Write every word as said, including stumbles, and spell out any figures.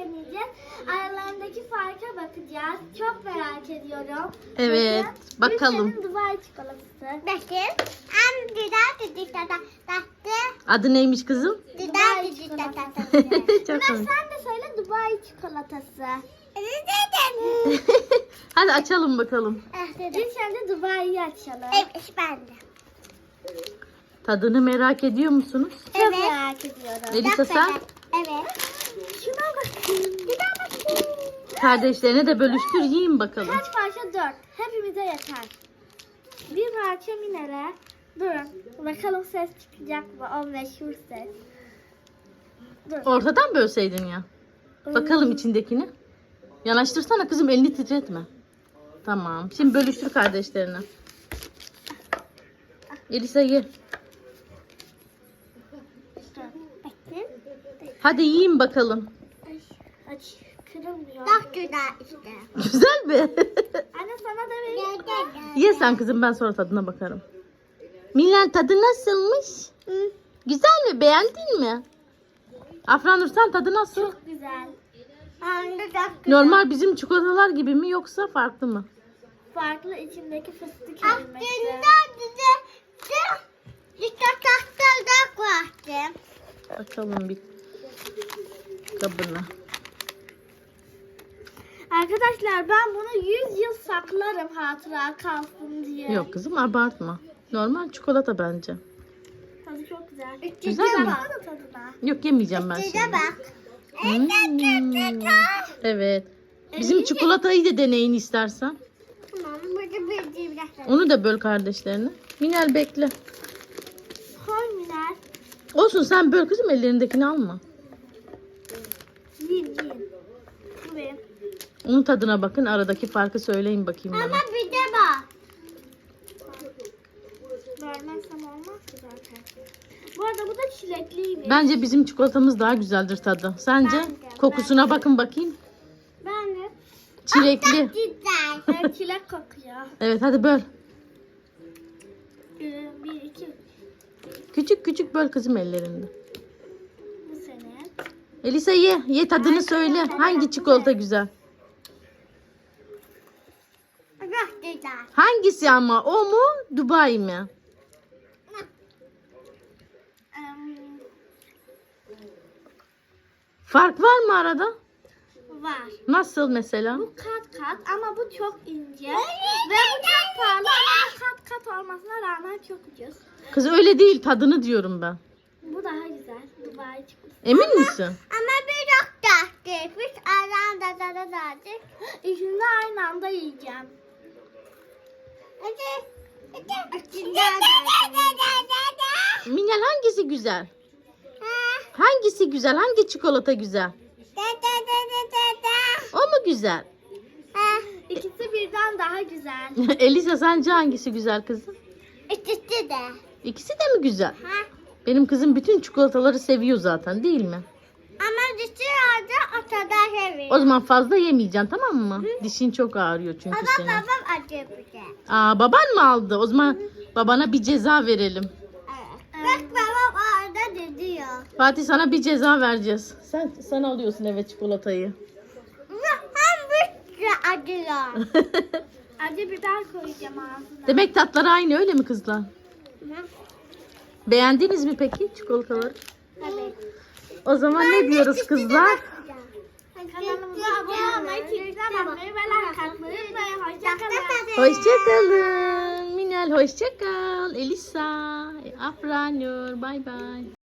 deneyeceğiz. Aralarındaki farka bakacağız. Çok merak ediyorum. Evet, Bakın, bakalım. Gülşen'in Dubai çikolatası. Bakın. Am güzel düdük tata. Taktı. Adı neymiş kızım? Güzel düdük tata. Çok Ömer komik. sen de söyle Dubai çikolatası. Dedim. Hadi açalım bakalım. Ah dedim. İlk önce Dubai'yi açalım. Evet ben de. Tadını merak ediyor musunuz? Çok Evet. merak ediyorum. Elisa sen Evet. Şuna bakın. Bir daha bakın. kardeşlerine de bölüştür yiyin bakalım. Kaç parça? Dört. Hepimize yeter. Bir parça Minel'e. Durun. Bakalım ses çıkacak mı? O meşhur ses. Dur. Ortadan bölseydin ya. Bakalım içindekini. Yanaştırsana kızım, elini titretme. Tamam. Şimdi bölüştür kardeşlerine. Elisa ye. Bakın. Hadi yiyin bakalım. Ay, aç. Kırılmıyor. Çok güzel işte. Güzel mi? Anne sana da vereyim. Gel gel gel. Ye sen kızım, ben sonra tadına bakarım. Milan tadı nasılmış? Hı. Güzel mi? Beğendin mi? Afranur sen tadı nasıl? Çok güzel. Hem de çok güzel. Normal bizim çikolatalar gibi mi yoksa farklı mı? Farklı içindeki fıstık Aslında ezmesi. düze işte tahtada koydum. Bakalım bir kabına. Arkadaşlar ben bunu yüz yıl saklarım hatıra kalsın diye. Yok kızım, abartma. Normal çikolata bence. Tadı çok güzel. Güzel mi? Baksana tadına. Yok, yemeyeceğim ben Size şimdi. bak. Hmm. Evet. Bizim çikolatayı da deneyin istersen. Tamam burada bir biraz. Onu da böl kardeşlerine. Minel bekle. Koy Minel. Olsun, sen böl kızım, ellerindekini alma. Yiyin yiyin. Bu benim. Onun tadına bakın, aradaki farkı söyleyin bakayım bana. Ama bir de bak. Vermezsem olmaz ki zaten. Bu arada bu da çilekliymiş. Bence bizim çikolatamız daha güzeldir tadı. Sence? Ben de, Kokusuna bakın bakayım. Ben de. Çilekli. Güzel. Evet, çilek kokuyor. Evet, hadi böl. Ee, bir, iki. Küçük küçük böl kızım ellerinde. Bu senin. Elisa ye. Ye, tadını söyle. Hangi çikolata güzel? Çok güzel. Hangisi ama? O mu? Dubai mi? Em, Fark var mı arada? var. Nasıl mesela? Bu kat kat ama bu çok ince. Ve bu çok pahalı ama bu kat kat olmasına rağmen çok ucuz. Kız öyle değil, tadını diyorum ben. Bu daha güzel. Dubai çikolatası. Emin misin? Ama bir çok tatlı. Biz aranda da da da. İkisini de aynı anda yiyeceğim. Hadi. Hadi. Minel hangisi güzel? Hangisi güzel? Hangi çikolata güzel? O mu güzel? İkisi birden daha güzel. Elisa sence hangisi güzel kızım? İkisi de. İkisi de mi güzel? Ha? Benim kızım bütün çikolataları seviyor zaten, değil mi? Ama dışarıda ortada seviyor. O zaman fazla yemeyeceksin, tamam mı? Dişin çok ağrıyor çünkü Ama senin. babam acı bir şey. Aa, baban mı aldı? O zaman babana bir ceza verelim. Evet. Bak babam orada diyor. Fatih, sana bir ceza vereceğiz. Sen sen alıyorsun eve çikolatayı. Hem bir şey acıyor. Acı biber koyacağım ağzına. Demek tatları aynı, öyle mi kızlar? Beğendiniz mi peki çikolataları? Evet. O zaman ne diyoruz kızlar? Kanalımıza abone olmayı, Twitter'dan bakmayı ve like atmayı unutmayın. Hoşçakalın. Hoşçakalın. Minel hoşçakal. Elisa, Afranur, bay bay.